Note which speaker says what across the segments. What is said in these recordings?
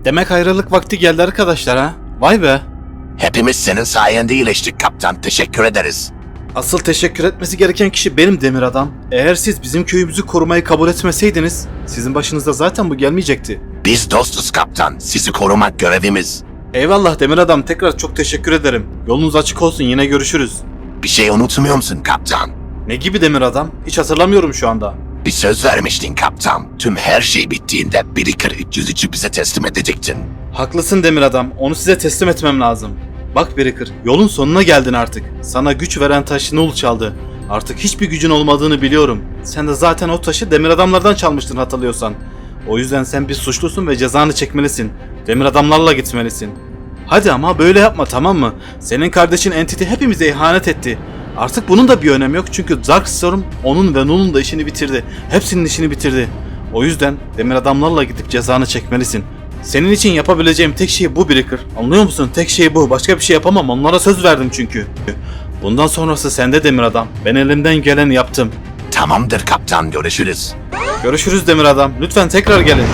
Speaker 1: Demek ayrılık vakti geldi arkadaşlar ha? Vay be.
Speaker 2: Hepimiz senin sayende iyileştik kaptan. Teşekkür ederiz.
Speaker 1: Asıl teşekkür etmesi gereken kişi benim Demir Adam. Eğer siz bizim köyümüzü korumayı kabul etmeseydiniz sizin başınıza zaten bu gelmeyecekti.
Speaker 2: Biz dostuz kaptan. Sizi korumak görevimiz.
Speaker 1: Eyvallah Demir Adam, tekrar çok teşekkür ederim. Yolunuz açık olsun, yine görüşürüz.
Speaker 2: Bir şey unutmuyor musun kaptan?
Speaker 1: Ne gibi Demir Adam? Hiç hatırlamıyorum şu anda.
Speaker 2: Bir söz vermiştin kaptan. Tüm her şey bittiğinde Breaker 303'ü bize teslim edecektin.
Speaker 1: Haklısın Demir Adam, onu size teslim etmem lazım. Bak Breaker, yolun sonuna geldin artık. Sana güç veren taşı Null çaldı. Artık hiçbir gücün olmadığını biliyorum. Sen de zaten o taşı Demir Adamlardan çalmıştın hatırlıyorsan. O yüzden sen bir suçlusun ve cezanı çekmelisin. Demir Adamlarla gitmelisin. Hadi ama böyle yapma, tamam mı? Senin kardeşin Entity hepimize ihanet etti. Artık bunun da bir önemi yok çünkü Darkstorm onun ve Null'un da işini bitirdi. Hepsinin işini bitirdi. O yüzden Demir Adamlarla gidip cezanı çekmelisin. Senin için yapabileceğim tek şey bu Breaker. Anlıyor musun? Tek şey bu. Başka bir şey yapamam. Onlara söz verdim çünkü. Bundan sonrası sende Demir Adam. Ben elimden geleni yaptım.
Speaker 2: Tamamdır kaptan, görüşürüz.
Speaker 1: Görüşürüz Demir Adam. Lütfen tekrar gelin.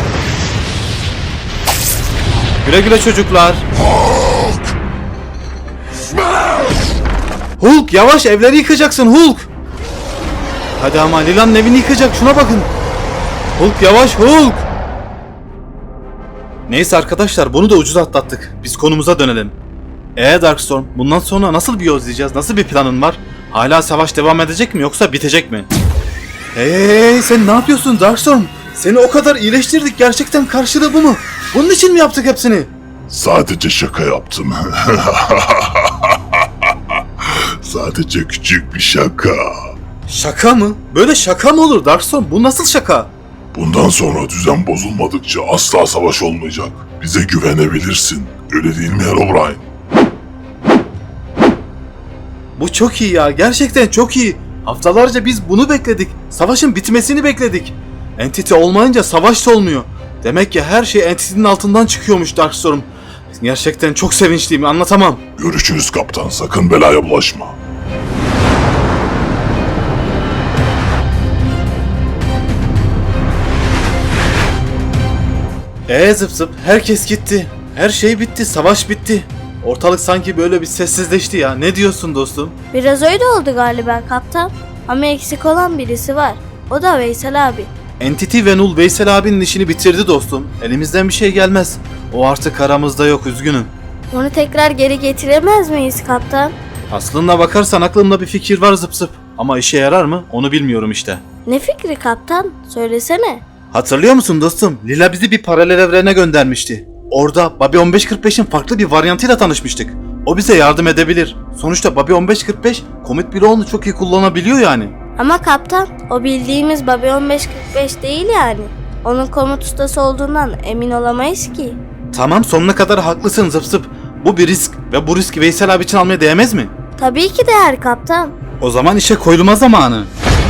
Speaker 1: Güle güle çocuklar. Hulk yavaş, evleri yıkacaksın Hulk. Hadi ama Lila'nın evini yıkacak, şuna bakın. Hulk yavaş Hulk. Neyse arkadaşlar, bunu da ucuz atlattık. Biz konumuza dönelim. Darkstorm, bundan sonra nasıl bir yol izleyeceğiz? Nasıl bir planın var? Hala savaş devam edecek mi yoksa bitecek mi? Hey sen ne yapıyorsun Darkstorm? Seni o kadar iyileştirdik, gerçekten karşılığı bu mu? Bunun için mi yaptık hepsini?
Speaker 3: Sadece şaka yaptım. Sadece küçük bir şaka.
Speaker 1: Şaka mı? Böyle şaka mı olur Darkstorm? Bu nasıl şaka?
Speaker 3: Bundan sonra düzen bozulmadıkça asla savaş olmayacak. Bize güvenebilirsin. Öyle değil mi Herobrine?
Speaker 1: Bu çok iyi ya. Gerçekten çok iyi. Haftalarca biz bunu bekledik. Savaşın bitmesini bekledik. Entity olmayınca savaş da olmuyor. Demek ki her şey Entity'nin altından çıkıyormuş Darkstorm. Gerçekten çok sevinçliyim, anlatamam.
Speaker 3: Görüşürüz kaptan. Sakın belaya bulaşma.
Speaker 1: Zıp zıp herkes gitti. Her şey bitti, savaş bitti. Ortalık sanki böyle bir sessizleşti ya. Ne diyorsun dostum?
Speaker 4: Biraz öyle oldu galiba kaptan. Ama eksik olan birisi var. O da Veysel abi.
Speaker 1: Entity ve Null Veysel abinin işini bitirdi dostum. Elimizden bir şey gelmez. O artık aramızda yok, üzgünüm.
Speaker 4: Onu tekrar geri getiremez miyiz kaptan?
Speaker 1: Aslında bakarsan aklımda bir fikir var zıp zıp. Ama işe yarar mı? Onu bilmiyorum işte.
Speaker 4: Ne fikri kaptan? Söylesene.
Speaker 1: Hatırlıyor musun dostum? Lila bizi bir paralel evrene göndermişti. Orada Bobby 1545'in farklı bir varyantıyla tanışmıştık. O bize yardım edebilir. Sonuçta Bobby 1545 komut bloğunu çok iyi kullanabiliyor yani.
Speaker 4: Ama kaptan, o bildiğimiz Bobby 1545 değil yani. Onun komut ustası olduğundan emin olamayız ki.
Speaker 1: Tamam, sonuna kadar haklısın zıp zıp. Bu bir risk ve bu riski Veysel abi için almaya değmez mi?
Speaker 4: Tabii ki değer kaptan.
Speaker 1: O zaman işe koyulma zamanı.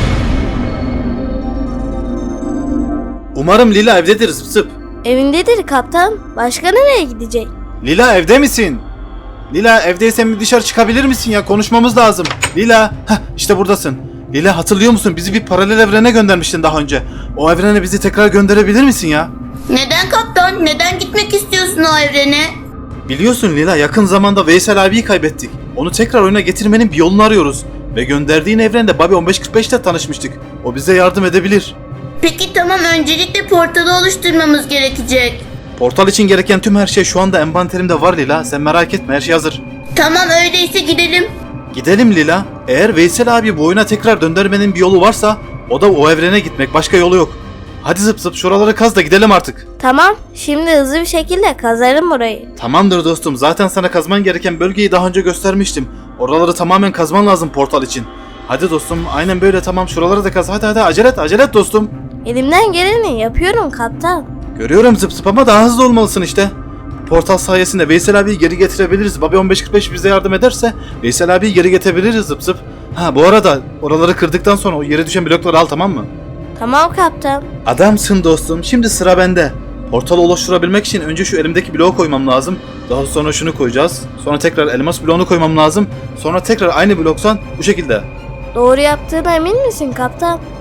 Speaker 1: Umarım Lila evdedir zıp zıp.
Speaker 4: Evindedir kaptan. Başka nereye gidecek?
Speaker 1: Lila evde misin? Lila evdeysen bir dışarı çıkabilir misin ya? Konuşmamız lazım. Lila, işte buradasın. Lila hatırlıyor musun? Bizi bir paralel evrene göndermiştin daha önce. O evrene bizi tekrar gönderebilir misin ya?
Speaker 5: Neden kaptan? Neden gitmek istiyorsun o evrene?
Speaker 1: Biliyorsun Lila, yakın zamanda Veysel abiyi kaybettik. Onu tekrar oyuna getirmenin bir yolunu arıyoruz. Ve gönderdiğin evrende Bobby 1545 ile tanışmıştık. O bize yardım edebilir.
Speaker 5: Peki tamam, öncelikle portalı oluşturmamız gerekecek.
Speaker 1: Portal için gereken tüm her şey şu anda envanterimde var Lila. Sen merak etme, her şey hazır.
Speaker 5: Tamam, öyleyse gidelim.
Speaker 1: Gidelim Lila. Eğer Veysel abi bu oyuna tekrar döndürmenin bir yolu varsa o da o evrene gitmek. Başka yolu yok. Hadi zıp zıp şuraları kaz da gidelim artık.
Speaker 4: Tamam, şimdi hızlı bir şekilde kazarım burayı.
Speaker 1: Tamamdır dostum. Zaten sana kazman gereken bölgeyi daha önce göstermiştim. Oraları tamamen kazman lazım portal için. Hadi dostum, aynen böyle, tamam, şuraları da kaz. Hadi acele et dostum.
Speaker 4: Elimden geleni yapıyorum kaptan.
Speaker 1: Görüyorum zıp zıp ama daha hızlı olmalısın işte. Portal sayesinde Veysel abiyi geri getirebiliriz. Bobby 1545 bize yardım ederse Veysel abiyi geri getirebiliriz zıp zıp. Bu arada oraları kırdıktan sonra o yere düşen blokları al, tamam mı?
Speaker 4: Tamam kaptan.
Speaker 1: Adamsın dostum. Şimdi sıra bende. Portalı oluşturabilmek için önce şu elimdeki bloğu koymam lazım. Daha sonra şunu koyacağız. Sonra tekrar elmas bloğunu koymam lazım. Sonra tekrar aynı bloksan bu şekilde.
Speaker 4: Doğru yaptığına emin misin kaptan?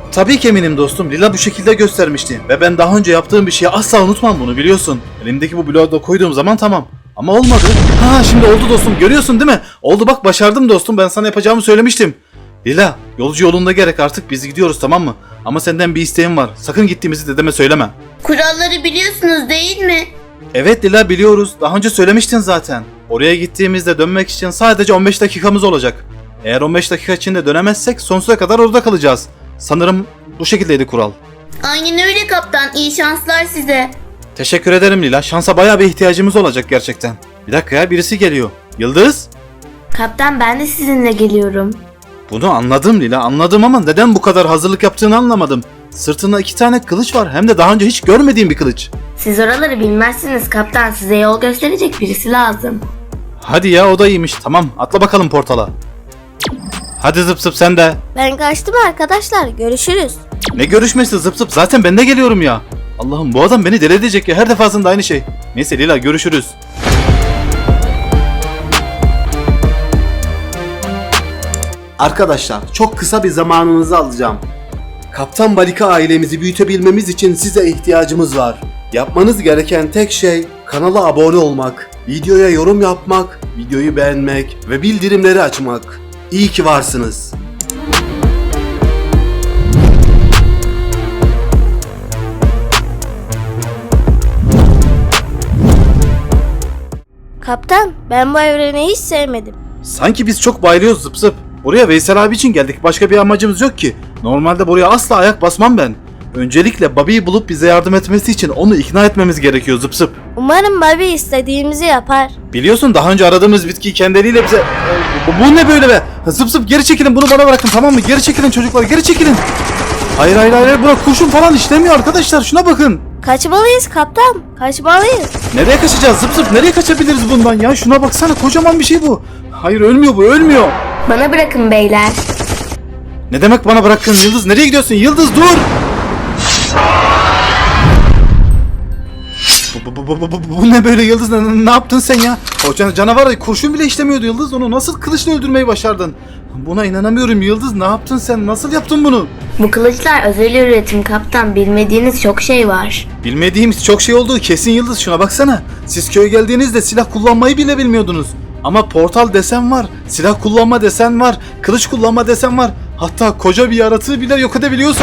Speaker 1: Tabii ki eminim dostum. Lila bu şekilde göstermişti. Ve ben daha önce yaptığım bir şeyi asla unutmam, bunu biliyorsun. Elimdeki bu bloğu da koyduğum zaman tamam. Ama olmadı. Ha, şimdi oldu dostum, görüyorsun değil mi? Oldu bak, başardım dostum, ben sana yapacağımı söylemiştim. Lila, yolcu yolunda gerek, artık biz gidiyoruz, tamam mı? Ama senden bir isteğim var. Sakın gittiğimizi dedeme söyleme.
Speaker 5: Kuralları biliyorsunuz değil mi?
Speaker 1: Evet Lila, biliyoruz. Daha önce söylemiştin zaten. Oraya gittiğimizde dönmek için sadece 15 dakikamız olacak. Eğer 15 dakika içinde dönemezsek sonsuza kadar orada kalacağız. Sanırım bu şekildeydi kural.
Speaker 5: Aynen öyle kaptan. İyi şanslar size.
Speaker 1: Teşekkür ederim Lila. Şansa bayağı bir ihtiyacımız olacak gerçekten. Bir dakika ya, birisi geliyor. Yıldız?
Speaker 6: Kaptan ben de sizinle geliyorum.
Speaker 1: Bunu anladım Lila, anladım ama neden bu kadar hazırlık yaptığını anlamadım. Sırtında 2 tane kılıç var, hem de daha önce hiç görmediğim bir kılıç.
Speaker 6: Siz oraları bilmezsiniz kaptan. Size yol gösterecek birisi lazım.
Speaker 1: Hadi ya, o da iyiymiş. Tamam, atla bakalım portala. Hadi zıp zıp sen de.
Speaker 4: Ben kaçtım arkadaşlar. Görüşürüz.
Speaker 1: Ne görüşmesi zıp zıp, zaten ben de geliyorum ya. Allah'ım, bu adam beni deli edecek ya, her defasında aynı şey. Neyse Lila, görüşürüz.
Speaker 7: Arkadaşlar, çok kısa bir zamanınızı alacağım. Kaptan Balika ailemizi büyütebilmemiz için size ihtiyacımız var. Yapmanız gereken tek şey kanala abone olmak, videoya yorum yapmak, videoyu beğenmek ve bildirimleri açmak. İyi ki varsınız.
Speaker 4: Kaptan, ben bu evreni hiç sevmedim.
Speaker 1: Sanki biz çok bayılıyoruz zıp zıp. Buraya Veysel abi için geldik. Başka bir amacımız yok ki. Normalde buraya asla ayak basmam ben. Öncelikle Bobby'yi bulup bize yardım etmesi için onu ikna etmemiz gerekiyor zıp zıp.
Speaker 4: Umarım Bobby istediğimizi yapar.
Speaker 1: Biliyorsun, daha önce aradığımız bitkiyi kendi eliyle bize... Bu ne böyle be? Zıp zıp, geri çekilin, bunu bana bırakın, tamam mı? Geri çekilin çocuklar, geri çekilin. Hayır hayır hayır, buna kurşun falan işlemiyor arkadaşlar, şuna bakın.
Speaker 4: Kaçmalıyız kaptan. Kaçmalıyız.
Speaker 1: Nereye kaçacağız zıp zıp, nereye kaçabiliriz bundan ya? Şuna baksana, kocaman bir şey bu. Hayır, ölmüyor bu, ölmüyor.
Speaker 6: Bana bırakın beyler.
Speaker 1: Ne demek bana bırakın Yıldız, nereye gidiyorsun Yıldız, dur. Bu ne böyle Yıldız, ne yaptın sen ya? O canavar kurşun bile işlemiyordu Yıldız, onu nasıl kılıçla öldürmeyi başardın? Buna inanamıyorum Yıldız, ne yaptın sen, nasıl yaptın bunu?
Speaker 6: Bu kılıçlar özel üretim kaptan. Bilmediğiniz çok şey var.
Speaker 1: Bilmediğimiz çok şey olduğu kesin Yıldız, şuna baksana. Siz köye geldiğinizde silah kullanmayı bile bilmiyordunuz. Ama portal desen var, silah kullanma desen var, kılıç kullanma desen var. Hatta koca bir yaratığı bile yok edebiliyorsun.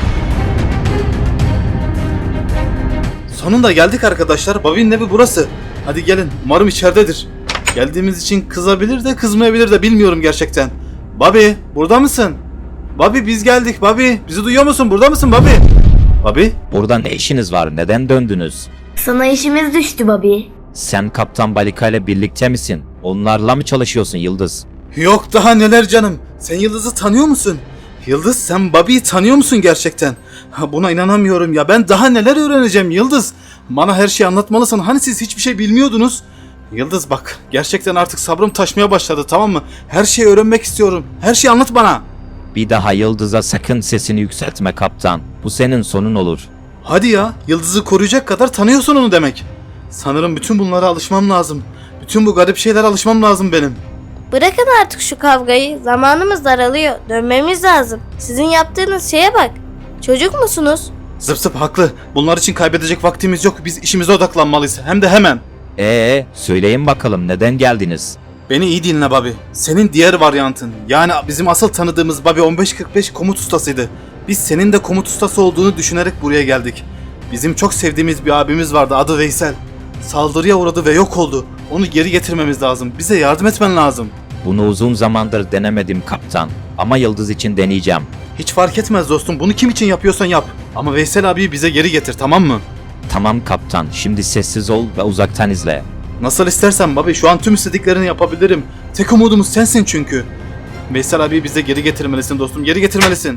Speaker 1: Sonunda geldik arkadaşlar. Bobby'nin evi burası. Hadi gelin. Umarım içeridedir. Geldiğimiz için kızabilir de kızmayabilir de bilmiyorum gerçekten. Bobby, burada mısın? Bobby, biz geldik. Bobby, bizi duyuyor musun? Burada mısın Bobby? Bobby?
Speaker 8: Burada ne işiniz var? Neden döndünüz?
Speaker 6: Sana işimiz düştü Bobby.
Speaker 8: Sen Kaptan Balika ile birlikte misin? Onlarla mı çalışıyorsun Yıldız?
Speaker 1: Yok daha neler canım. Sen Yıldız'ı tanıyor musun? Yıldız, sen Bobby'yi tanıyor musun gerçekten? Buna inanamıyorum ya. Ben daha neler öğreneceğim Yıldız. Bana her şeyi anlatmalısın. Hani siz hiçbir şey bilmiyordunuz? Yıldız bak, gerçekten artık sabrım taşmaya başladı, tamam mı? Her şeyi öğrenmek istiyorum. Her şeyi anlat bana.
Speaker 8: Bir daha Yıldız'a sakın sesini yükseltme kaptan. Bu senin sonun olur.
Speaker 1: Hadi ya, Yıldız'ı koruyacak kadar tanıyorsun onu demek. Sanırım bütün bunlara alışmam lazım. Bütün bu garip şeylere alışmam lazım benim.
Speaker 4: Bırakın artık şu kavgayı. Zamanımız daralıyor. Dönmemiz lazım. Sizin yaptığınız şeye bak. Çocuk musunuz?
Speaker 1: Zıp zıp haklı. Bunlar için kaybedecek vaktimiz yok. Biz işimize odaklanmalıyız. Hem de hemen.
Speaker 8: Söyleyin bakalım neden geldiniz?
Speaker 1: Beni iyi dinle Bobby. Senin diğer varyantın, yani bizim asıl tanıdığımız Bobby 1545 komut ustasıydı. Biz senin de komut ustası olduğunu düşünerek buraya geldik. Bizim çok sevdiğimiz bir abimiz vardı, adı Veysel. Saldırıya uğradı ve yok oldu. Onu geri getirmemiz lazım. Bize yardım etmen lazım.
Speaker 8: Bunu uzun zamandır denemedim kaptan. Ama Yıldız için deneyeceğim.
Speaker 1: Hiç fark etmez dostum. Bunu kim için yapıyorsan yap. Ama Veysel abiyi bize geri getir, tamam mı?
Speaker 8: Tamam kaptan, şimdi sessiz ol ve uzaktan izle.
Speaker 1: Nasıl istersen Bobby. Şu an tüm istediklerini yapabilirim. Tek umudumuz sensin çünkü. Veysel abiyi bize geri getirmelisin dostum. Geri getirmelisin.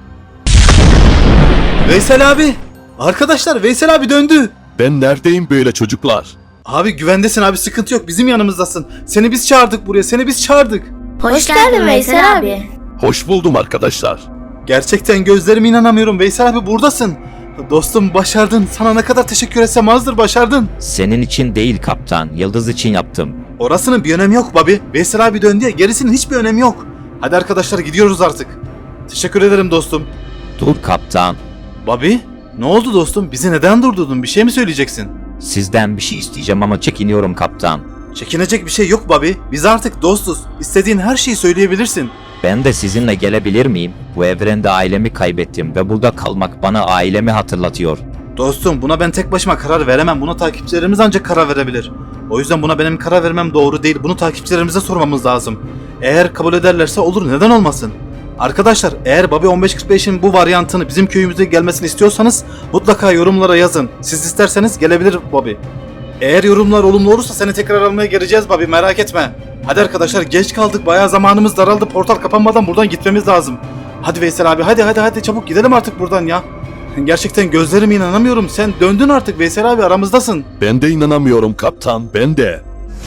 Speaker 1: Veysel abi. Arkadaşlar, Veysel abi döndü.
Speaker 2: Ben neredeyim böyle çocuklar?
Speaker 1: Abi güvendesin abi, sıkıntı yok, bizim yanımızdasın. Seni biz çağırdık buraya, seni biz çağırdık.
Speaker 6: Hoş geldin Veysel abi.
Speaker 2: Hoş buldum arkadaşlar.
Speaker 1: Gerçekten gözlerime inanamıyorum, Veysel abi buradasın. Dostum, başardın, sana ne kadar teşekkür etsem azdır, başardın.
Speaker 8: Senin için değil kaptan, Yıldız için yaptım.
Speaker 1: Orasının bir önemi yok Bobby. Veysel abi döndü ya, gerisinin hiçbir önemi yok. Hadi arkadaşlar, gidiyoruz artık. Teşekkür ederim dostum.
Speaker 8: Dur kaptan.
Speaker 1: Bobby, ne oldu dostum? Bizi neden durdurdun? Bir şey mi söyleyeceksin?
Speaker 8: Sizden bir şey isteyeceğim ama çekiniyorum kaptan.
Speaker 1: Çekinecek bir şey yok Bobby. Biz artık dostuz. İstediğin her şeyi söyleyebilirsin.
Speaker 8: Ben de sizinle gelebilir miyim? Bu evrende ailemi kaybettim ve burada kalmak bana ailemi hatırlatıyor.
Speaker 1: Dostum, buna ben tek başıma karar veremem. Buna takipçilerimiz ancak karar verebilir. O yüzden buna benim karar vermem doğru değil. Bunu takipçilerimize sormamız lazım. Eğer kabul ederlerse olur, neden olmasın? Arkadaşlar, eğer Bobby 1545'in bu varyantını bizim köyümüze gelmesini istiyorsanız mutlaka yorumlara yazın. Siz isterseniz gelebilir Bobby. Eğer yorumlar olumlu olursa seni tekrar almaya geleceğiz Bobby, merak etme. Hadi arkadaşlar, geç kaldık, bayağı zamanımız daraldı. Portal kapanmadan buradan gitmemiz lazım. Hadi Veysel abi, hadi çabuk gidelim artık buradan ya. Gerçekten gözlerime inanamıyorum. Sen döndün artık Veysel abi, aramızdasın.
Speaker 2: Ben de inanamıyorum kaptan, ben de.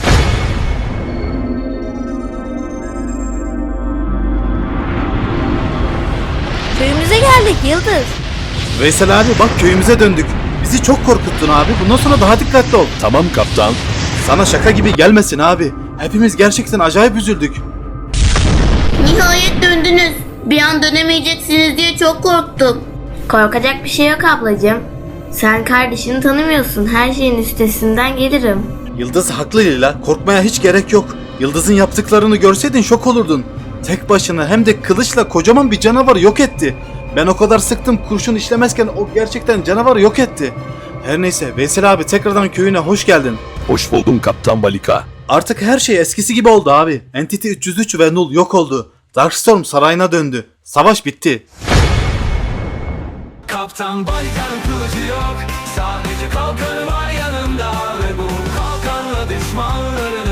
Speaker 4: Köyümüze geldik Yıldız.
Speaker 1: Veysel abi bak, köyümüze döndük. Bizi çok korkuttun abi. Bundan sonra daha dikkatli ol.
Speaker 2: Tamam kaptan.
Speaker 1: Sana şaka gibi gelmesin abi. Hepimiz gerçekten acayip üzüldük.
Speaker 5: Nihayet döndünüz. Bir an dönemeyeceksiniz diye çok korktum.
Speaker 6: Korkacak bir şey yok ablacığım. Sen kardeşini tanımıyorsun. Her şeyin üstesinden gelirim.
Speaker 1: Yıldız haklı Lila. Korkmaya hiç gerek yok. Yıldız'ın yaptıklarını görseydin şok olurdun. Tek başına hem de kılıçla kocaman bir canavarı yok etti. Ben o kadar sıktım, kurşun işlemezken o gerçekten canavarı yok etti. Her neyse Veysel abi, tekrardan köyüne hoş geldin.
Speaker 2: Hoş buldum kaptan Balika.
Speaker 1: Artık her şey eskisi gibi oldu abi. Entity 303 ve Null yok oldu. Darkstorm sarayına döndü. Savaş bitti.
Speaker 9: Kaptan Balika'nın kılıcı yok. Sadece kalkanı var yanında. Ve bu kalkanla düşmanları